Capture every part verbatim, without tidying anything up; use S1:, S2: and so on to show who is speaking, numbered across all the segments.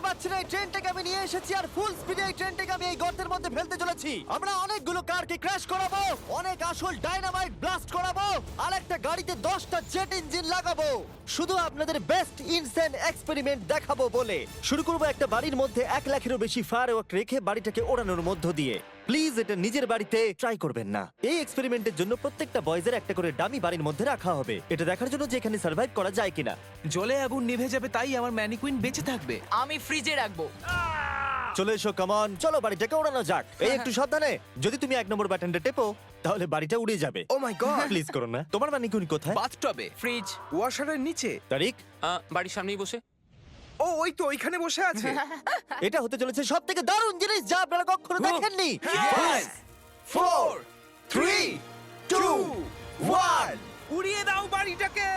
S1: পারছি না এই ট্রেনটাকে আমি নিয়ে এসেছি আর ফুল স্পিডে এই ট্রেনটাকে আমি এই গর্তের মধ্যে ফেলতে চলেছি। আমরা অনেকগুলো কারকে ক্র্যাশ করাবো, অনেক আসল ডাইনামাইট ব্লাস্ট করাবো, আর একটা গাড়িতে দশটা জেট ইঞ্জিন লাগাবো, শুধু আপনাদের বেস্ট ইনসেন এক্সপেরিমেন্ট দেখাবো বলে। শুরু করবো একটা বাড়ির মধ্যে এক লাখেরও বেশি ফায়ারওয়ার্ক রেখে বাড়িটাকে ওড়ানোর মধ্য দিয়ে। প্লিজ এটা নিজের বাড়িতে ট্রাই করবেন না। এই এক্সপেরিমেন্টের জন্য প্রত্যেকটা বয়েজের একটা করে ডামি বাড়ির মধ্যে রাখা হবে, এটা দেখার জন্য যে এখানে সার্ভাইভ করা যায় কিনা।
S2: জলে আগুন নিভে যাবে, তাই আমার ম্যানিকুইন বেঁচে থাকবে।
S3: আমি ফ্রিজে রাখবো।
S1: চলে এসো, কামন, চলো বাড়িটাকে ওড়ানো যাক। এই একটু সাবধানে, যদি তুমি এক নম্বর বাটনটা টেপো তাহলে বাড়িটা উড়ে যাবে।
S2: ও মাই গড!
S1: প্লিজ করো না। তোমার ম্যানিকুইন কোথায়?
S2: বাথটবে,
S3: ফ্রিজ।
S2: ওয়াশারের নিচে।
S1: তারিক,
S4: আহ, বাড়ির সামনেই বসে।
S2: ও ওই তো ওইখানে বসে আছে।
S1: এটা হতে চলেছে সব থেকে দারুণ জিনিস যা আপনারা কখনো দেখেননি।
S2: Five, four, three, two, one, উড়িয়ে দাও বাড়িটাকে।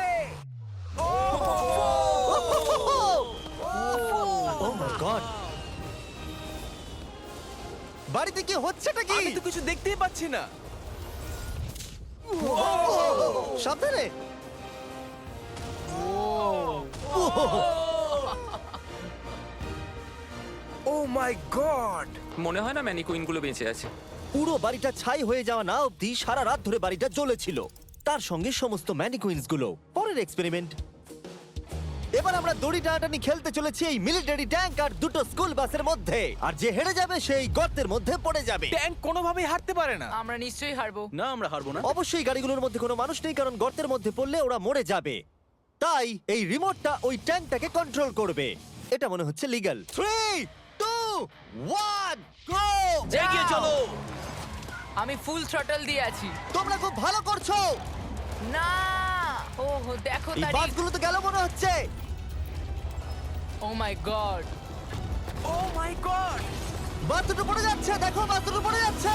S1: ও মাই গড, বাড়িতে কি হচ্ছেটা কি?
S2: আমি তো কিছু দেখতেই পাচ্ছি না।
S1: সাবধানে।
S2: Oh my god!
S4: মনে হয় না ম্যানিকুইন গুলো বেঁচে আছে।
S1: পুরো বাড়িটা ছাই হয়ে যাওয়া না অবধি সারা রাত ধরে বাড়িটা জ্বলেছিল, তার সঙ্গে সমস্ত ম্যানিকুইন্স গুলো। পরের এক্সপেরিমেন্ট, এবার আমরা দড়ি টানাটানি খেলতে চলেছি এই মিলিটারি ট্যাঙ্ক আর দুটো স্কুল বাসের মধ্যে, আর যে হেরে যাবে সেই গর্তের মধ্যে পড়ে যাবে।
S2: ট্যাঙ্ক কোনোভাবেই হারতে পারে না।
S3: আমরা নিশ্চয়ই হারবো।
S2: না, আমরা হারবো না।
S1: অবশ্যই গাড়িগুলোর মধ্যে কোনো মানুষ নেই, কারণ গর্তের মধ্যে পড়লে ওরা মরে যাবে। তাই এই রিমোটটা ওই ট্যাঙ্কটাকে কন্ট্রোল করবে। এটা মনে হচ্ছে legal. Three two one go!
S2: এগিয়ে চলো।
S3: আমি ফুল থ্রটল দিয়ে আছি।
S1: তোমরা খুব ভালো করছো।
S3: না, ও দেখো
S1: এই
S3: তারিখ।
S1: বাসগুলো তো গেল মনে হচ্ছে।
S3: ও my god.
S2: O my god!
S1: বাস দুটো পড়ে যাচ্ছে, দেখো বাস দুটো পড়ে যাচ্ছে।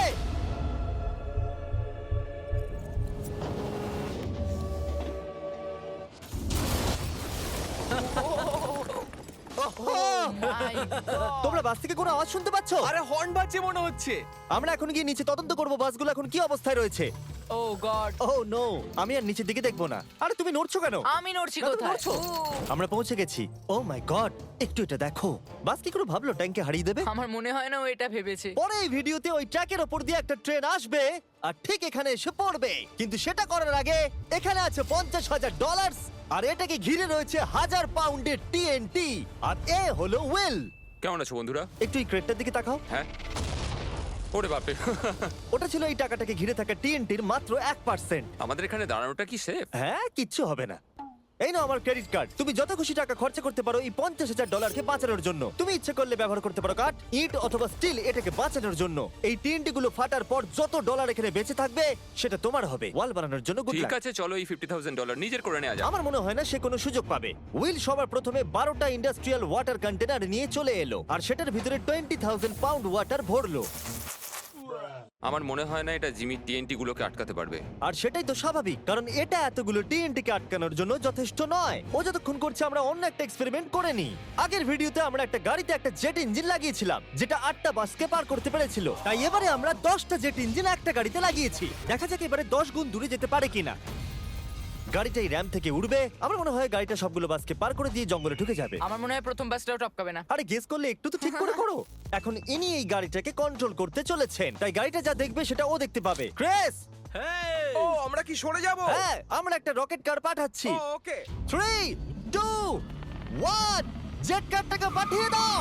S3: My god.
S1: তোমরা বাস থেকে কোনো আওয়াজ শুনতে পাচ্ছ?
S2: আরে হর্ন বাজছে মনে হচ্ছে।
S1: আমরা এখন গিয়ে নিচে তদন্ত করব বাসগুলো এখন কি অবস্থায় রয়েছে।
S3: ও গড।
S1: ও নো, আমি আর নিচের দিকে দেখবো না। আরে তুমি নড়ছো কেন?
S3: আমি নড়ছি
S1: না, তুমি
S3: কোথায়?
S1: নড়ছো।
S3: ও,
S1: আমরা পৌঁছে গেছি। ও মাই গড, একটু এটা দেখো। বাস কি করে ভাবলো ট্যাঙ্কে হারিয়ে দেবে?
S3: আমার মনে হয় না ও এটা ভেবেছে।
S1: পরে এই ভিডিওতে ওই ট্র্যাকের ওপর দিয়ে একটা ট্রেন আসবে আর ঠিক এখানে এসে পড়বে, কিন্তু সেটা করার আগে এখানে আছে পঞ্চাশ হাজার ডলার আর এটাকে ঘিরে রয়েছে হাজার পাউন্ডের টিএনটি। আর এ হলো উইল।
S4: কেমন আছো বন্ধুরা?
S1: একটু এই ক্রেটটার দিকে তাকাও।
S4: হ্যাঁ, ওরে বাপরে।
S1: ওটা ছিল এই টাকাটাকে ঘিরে থাকা টিএনটির মাত্র এক পার্সেন্ট।
S4: আমাদের এখানে দাঁড়ানোটা কি সেফ?
S1: হ্যাঁ, কিচ্ছু হবে না। এই নাও আমার ক্রেডিট কার্ড, তুমি যত খুশি টাকা খরচা করতে পারো এই পঞ্চাশ হাজার ডলারকে বাঁচানোর জন্য। তুমি ইচ্ছে করলে ব্যবহার করতে পারো কাঠ, ইট অথবা স্টিল এটাকে বাঁচানোর জন্য। এই টিএনটি গুলো ফাটার পর যত ডলার এখানে বেঁচে থাকবে সেটা তোমার হবে। ওয়াল বানানোর জন্য গুড
S4: ঠিক
S1: লাক।
S4: আছে, চলো এই ফিফটি থাউজেন্ড ডলার নিজের করে নেওয়া যাক।
S1: আমার মনে হয় না সে কোনো সুযোগ পাবে। উইল সবার প্রথমে বারোটা ইন্ডাস্ট্রিয়াল ওয়াটার কন্টেনার নিয়ে চলে এলো আর সেটার ভিতরে টোয়েন্টি থাউজেন্ড পাউন্ড ওয়াটার ভরলো।
S4: আমার মনে হয় না এটা জিমি টিএনটি গুলোকে আটকাতে পারবে।
S1: আর সেটাই তো স্বাভাবিক, কারণ এটা এতগুলো টিএনটি কে আটকানোর জন্য যথেষ্ট নয়। ও যতক্ষণ করছে আমরা অন্য একটা এক্সপেরিমেন্ট করে নি। আগের ভিডিওতে আমরা একটা গাড়িতে একটা জেট ইঞ্জিন লাগিয়েছিলাম যেটা আটটা বাসকে পার করতে পেরেছিল। তাই এবারে আমরা দশটা জেট ইঞ্জিন একটা গাড়িতে লাগিয়েছি। দেখা যাক এবারে দশ গুণ দূরে যেতে পারে কিনা। গাড়িটা এই র্যাম থেকে উঠবে। আমার মনে হয় গাড়িটা সবগুলো বাসকে পার করে দিয়ে জঙ্গলে ঢুকে যাবে।
S3: আমার মনে হয় প্রথম বাসটাও টপকাবে না।
S1: আরে গেস করলে একটু তো ঠিক করে করো। এখন ইনি এই গাড়িটাকে কন্ট্রোল করতে চলেছেন, তাই গাড়িটা যা দেখবে সেটা ও দেখতে পাবে। ক্রেস,
S2: ও আমরা কি সরে যাব?
S1: হ্যাঁ, আমরা একটা রকেট কার পাঠাচ্ছি।
S2: Oh okay.
S1: Three two one, jet কারটাকে পাঠিয়ে দাও।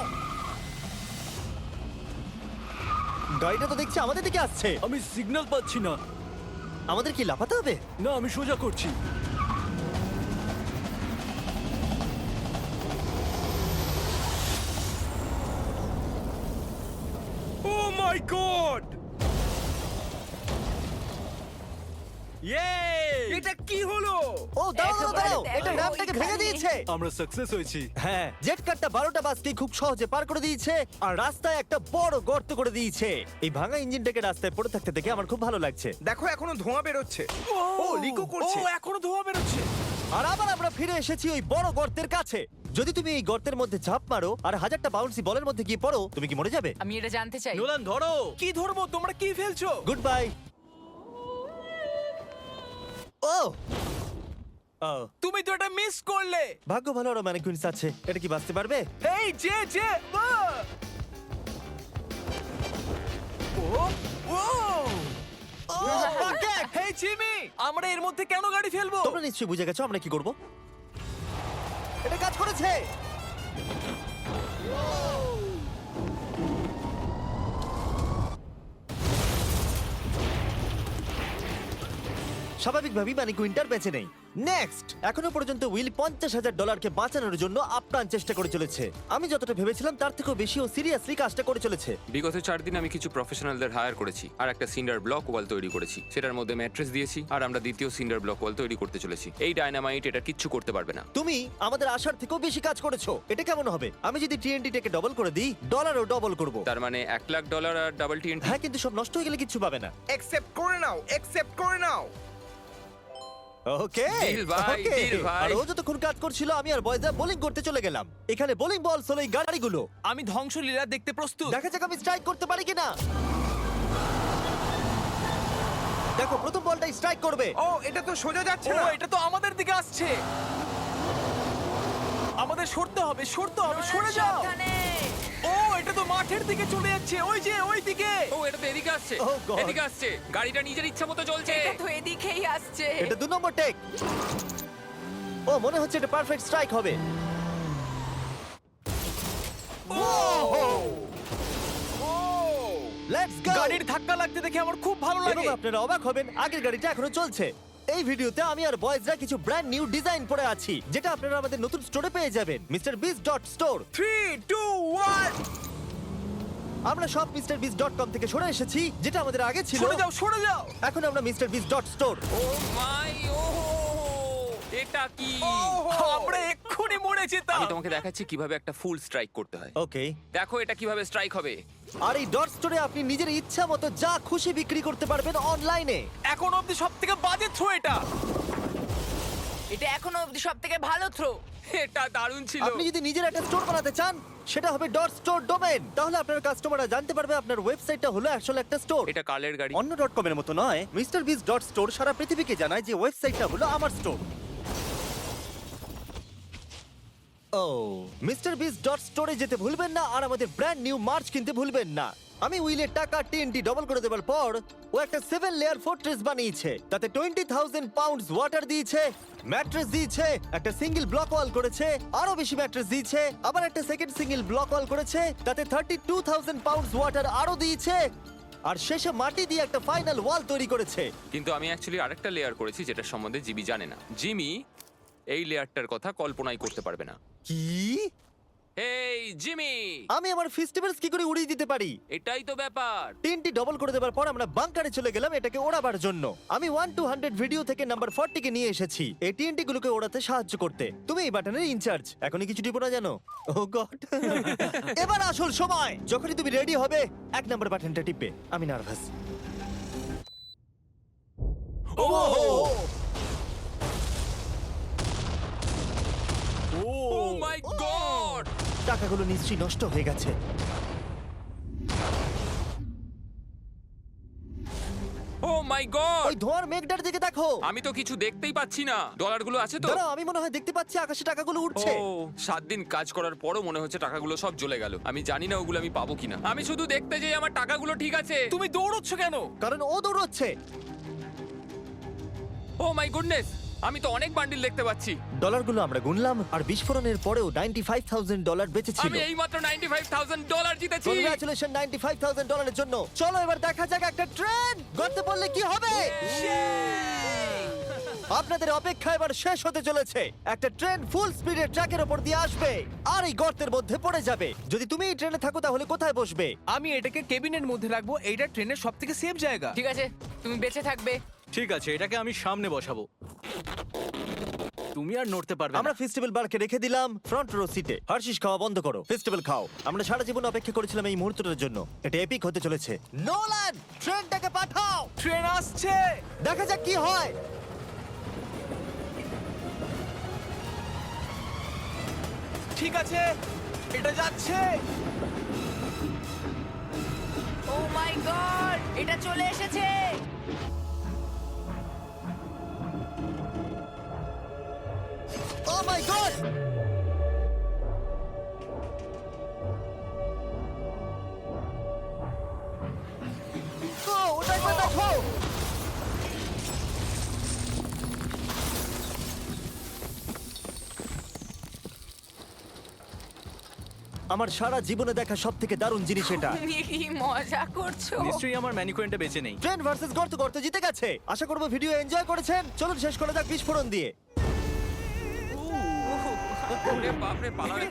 S1: গাড়িটা তো দেখছি আমাদের দিকে আসছে।
S5: আমি সিগন্যাল পাচ্ছি না।
S1: আমাদের কি লাফাতে হবে?
S5: না, আমি সোজা করছি।
S2: Oh my god!
S5: ইয়ে!
S2: এটা কি হলো?
S1: ও দাঁড়াও দাঁড়াও দাঁড়াও,
S3: একেবারে
S1: এটা
S3: দেখো,
S1: র্যামটাকে ভেঙে
S3: ওইখানে।
S1: দিয়েছে।
S5: আমরা সাকসেস হয়েছি।
S1: হ্যাঁ, জেট কারটা বারোটা বাসকে খুব সহজে পার করে দিয়েছে আর রাস্তায় একটা বড় গর্ত করে দিয়েছে। এই ভাঙা ইঞ্জিনটাকে রাস্তায় পড়ে থাকতে দেখে আমার খুব ভালো লাগছে।
S2: দেখো এখনো ধোঁয়া বেরোচ্ছে। ও লিকো করছে।
S5: ও এখনো ধোঁয়া বেরোচ্ছে।
S1: আর আবার আমরা ফিরে এসেছি ওই বড় গর্তের কাছে। যদি তুমি এই গর্তের মধ্যে ঝাঁপ মারো আর হাজারটা বাউন্সি বলের মধ্যে গিয়ে পড়ো, তুমি কি মরে যাবে?
S3: আমি এটা জানতে চাই।
S5: নোলান ধরো।
S2: কি ধরবো? তোমরা কি ফেলছো?
S1: Good bye. ও ও,
S2: তুমি তো এটা মিস করলে।
S1: ভাগ্য ভালো আরো ম্যানিকুইন্স আছে। এটা কি বাঁচতে পারবে?
S2: এই যে যে আহ! ও ও
S1: ও, bucket!
S2: হেই জিমি, আমরা এর মধ্যে কেন গাড়ি ফেলবো?
S1: তোমরা নিশ্চয়ই বুঝে গেছো আমরা কি করব। এটা কাজ করেছে। স্বাভাবিকভাবেই মানে কুইন্টার বেঁচে নেই। নেক্সট, এখনো পর্যন্ত উইল পঞ্চাশ হাজার ডলারকে বাঁচানোর জন্য আপ্রাণ চেষ্টা করে চলেছে। আমি যতটা ভেবেছিলাম তার থেকেও বেশি ও সিরিয়াসলি কাজটা করে চলেছে।
S4: বিগত চার দিন আমি কিছু প্রফেশনালদের হায়ার করেছি আর একটা সিন্ডার ব্লক ওয়াল তৈরি করেছি। সেটার মধ্যে ম্যাট্রেস দিয়েছি আর আমরা দ্বিতীয় সিন্ডার ব্লক ওয়াল তৈরি করতে চলেছি। এই ডায়নামাইট এটা কিচ্ছু করতে পারবে না।
S1: তুমি আমাদের আশার থেকেও বেশি কাজ করেছো। এটা কেমন হবে? আমি যদি টিএনটি টেকে ডবল করে দিই, ডলারও ডবল করব।
S4: তার মানে এক লাখ ডলার আর ডাবল টিএনটি।
S1: হ্যাঁ, কিন্তু সব নষ্ট হয়ে গেলে কিচ্ছু পাবে না।
S2: অ্যাকসেপ্ট করে নাও, অ্যাকসেপ্ট করে নাও।
S1: ওকে
S4: Deal ভাই,
S1: ওকে।
S4: deal ভাই।
S1: আর ও যতক্ষণ কাজ করছিল আমি আর বয়জা বোলিং করতে চলে গেলাম। এখানে বোলিং বল হলো এই গাড়িগুলো।
S2: আমি ধ্বংসলীলা দেখতে প্রস্তুত।
S1: দেখা যাক আমি স্ট্রাইক করতে পারি কিনা। দেখো, প্রথম বলটাই স্ট্রাইক করবে।
S2: ও, এটা তো সোজা যাচ্ছে না। এটা তো আমাদের দিকে আসছে। আমাদের সরতে হবে, সরতে হবে, সরে যাও।
S3: সাবধানে।
S2: ও, এটা তো মাঠের দিকে চলে যাচ্ছে। ওই যে ওই দিকে।
S4: ও, এটা তো এদিকে আসছে।
S1: Oh God!
S4: এদিকে আসছে। গাড়িটা নিজের ইচ্ছা মতো চলছে।
S3: এটা তো এদিকেই আসছে।
S1: এটা দু নম্বর টেক। ও, মনে হচ্ছে এটা পারফেক্ট স্ট্রাইক হবে। Let's go.
S2: গাড়ির ধাক্কা লাগতে দেখে আমার খুব ভালো
S1: এবং
S2: লাগে।
S1: আপনারা অবাক হবেন, আগের গাড়িটা এখনো চলছে। এই ভিডিওতে আমি আর বয়েজরা কিছু ব্র্যান্ড নিউ ডিজাইন পরে আছি, যেটা আপনারা আমাদের নতুন স্টোরে পেয়ে যাবেন, mister Beast dot store.
S2: Three two one,
S1: আমরা সব মিস্টার বিস ডট কম থেকে সরে এসেছি, যেটা আমাদের আগে ছিল।
S2: সরে যাও, সরে যাও।
S1: এখন আমরা মিস্টার বিস ডট স্টোর।
S4: ও মাই, ও এটা কি?
S2: আমরা এক্ষুনি মরে যেতাম।
S4: আমি তোমাকে দেখাচ্ছি কিভাবে একটা ফুল স্ট্রাইক করতে হয়।
S1: ওকে।
S4: দেখো এটা কিভাবে স্ট্রাইক হবে।
S1: আর এই ডট স্টোরে আপনি নিজের ইচ্ছা মতো যা খুশি বিক্রি করতে পারবেন অনলাইনে।
S2: এখন অব্দি সব থেকে বাজে থ্রো এটা।
S3: এটা এখনো অবধি সব থেকে ভালো থ্রো।
S4: এটা দারুণ ছিল।
S1: আপনি যদি নিজের একটা স্টোর বানাতে চান, সেটা হবে ডট স্টোর ডোমেন। তাহলে আপনার কাস্টমাররা জানতে পারবে আপনার ওয়েবসাইটটা হলো আসলে একটা স্টোর।
S4: এটা কালের গাড়ি।
S1: অন্য ডট কম এর মতো নয়। মিস্টার বিস ডট স্টোর সারা পৃথিবীকে জানায় যে ওয়েবসাইটটা হলো আমার স্টোর। ও, মিস্টার বিস ডট স্টোরে যেতে ভুলবেন না আর আমাদের ব্র্যান্ড নিউ মার্চ কিনতে ভুলবেন না। আমি উইলের টাকা টিএনটি ডবল করে দেওয়ার পর ও একটা সেভেন লেয়ার ফোর্ট্রেস বানিয়েছে। তাতে টোয়েন্টি থাউজেন্ড পাউন্ডস ওয়াটার দিয়েছে, ম্যাট্রেস দিয়েছে, একটা সিঙ্গেল ব্লক ওয়াল করেছে, আরো বেশি ম্যাট্রেস দিয়েছে, আবার একটা সেকেন্ড সিঙ্গেল ব্লক ওয়াল করেছে, তাতে thirty two thousand pounds water আরো দিয়েছে, আর শেষে মাটি দিয়ে একটা ফাইনাল ওয়াল তৈরি করেছে।
S4: কিন্তু আমি অ্যাকচুয়ালি আরেকটা লেয়ার করেছি যেটা সম্বন্ধে জিমি জানে না। জিমি এই লেয়ারটার কথা কল্পনাই করতে পারবে না।
S1: কি?
S4: এই জিমি,
S1: আমি আমার ফেস্টিভ্যালস কি করে উড়িয়ে দিতে পারি?
S4: এটাই তো ব্যাপার।
S1: তিনটি ডবল করে দেওয়ার পর আমরা বাংকারে চলে গেলাম এটাকে ওড়াবার জন্য। আমি ওয়ান টু হান্ড্রেড ভিডিও থেকে নাম্বার ফোরটি কে নিয়ে এসেছি এই টিএনটি গুলোকে ওড়াতে সাহায্য করতে। তুমি এই বাটনের ইনচার্জ। এখনই কিছু টিপো না জানো? Oh god. এবার আসল সময়। যখনই তুমি রেডি হবে এক নাম্বার বাটনটা টিপবে। আমি nervous.
S4: O O my god,
S1: টাকাগুলো নিশ্চয়ই নষ্ট হয়ে গেছে।
S4: ও মাই গড,
S1: ওই ধোঁয়ার মেঘটার দিকে দেখো।
S4: আমি তো কিছু দেখতেই পাচ্ছি না। ডলারগুলো আছে তো?
S1: দাঁড়াও, আমি মনে হয় দেখতে পাচ্ছি আকাশে টাকাগুলো উঠছে।
S4: ও, সাত দিন কাজ করার পরও মনে হচ্ছে টাকাগুলো সব জ্বলে গেল। আমি জানি না ওগুলো আমি পাবো কিনা। আমি শুধু দেখতে যাই আমার টাকাগুলো ঠিক আছে।
S2: তুমি দৌড়চ্ছ কেন?
S1: কারণ ও দৌড়চ্ছে।
S4: ও মাই গুডনেস, আমি তো অনেক বান্ডিল দেখতে পাচ্ছি।
S1: ডলারগুলো আমরা গুনলাম আর বিস্ফোরণের পরেও নাইনটি ফাইভ থাউজেন্ড ডলার বেঁচে ছিল।
S4: আমি এই মাত্র নাইনটি ফাইভ থাউজেন্ড ডলার জিতেছি।
S1: কংগ্রাচুলেশন নাইনটি ফাইভ থাউজেন্ড ডলারের জন্য। চলো এবার দেখা যাক একটা ট্রেন গর্তে পড়লে কি হবে। আপনাদের অপেক্ষা এবার শেষ হতে চলেছে। একটা ট্রেন ফুল স্পিডে ট্র্যাকের উপর দিয়ে আসবে আর এই গর্তের মধ্যে পড়ে যাবে। যদি তুমি এই ট্রেনে থাকো তাহলে কোথায় বসবে?
S2: আমি এটাকে কেবিনের মধ্যে রাখবো। এইটা ট্রেনের সব থেকে সেফ জায়গা।
S3: ঠিক আছে, তুমি বেঁচে থাকবে।
S5: ঠিক আছে, এটাকে আমি সামনে বসাবো। তুমি আর নড়তে পারবে
S1: আমরা
S5: না।
S1: ফেস্টিভ্যাল বারকে রেখে দিলাম ফ্রন্ট রো সিটে। হার্শিস খাওয়া বন্ধ করো, ফেস্টিভ্যাল খাও। আমরা সারা জীবন অপেক্ষা করেছিলাম এই মুহূর্তটার জন্য। এটা এপিক হতে চলেছে। নোলান, ট্রেনটাকে পাঠাও।
S2: ট্রেন আসছে।
S1: দেখা যাক কি হয়।
S2: ঠিক আছে, এটা যাচ্ছে।
S3: ও মাই গড, এটা চলে এসেছে।
S1: আমার সারা জীবনে দেখা সব থেকে দারুণ জিনিস এটা।
S3: তুমি কি মজা করছো?
S5: নিশ্চয়ই আমার ম্যানিকুইনটা বেঁচে নেই।
S1: ট্রেন ভার্সেস গর্ত গর্ত জিতে গেছে। আশা করবো ভিডিও এনজয় করেছেন। চলুন শেষ করা যাক বিস্ফোরণ দিয়ে।
S4: ওরে বাপরে, পালালে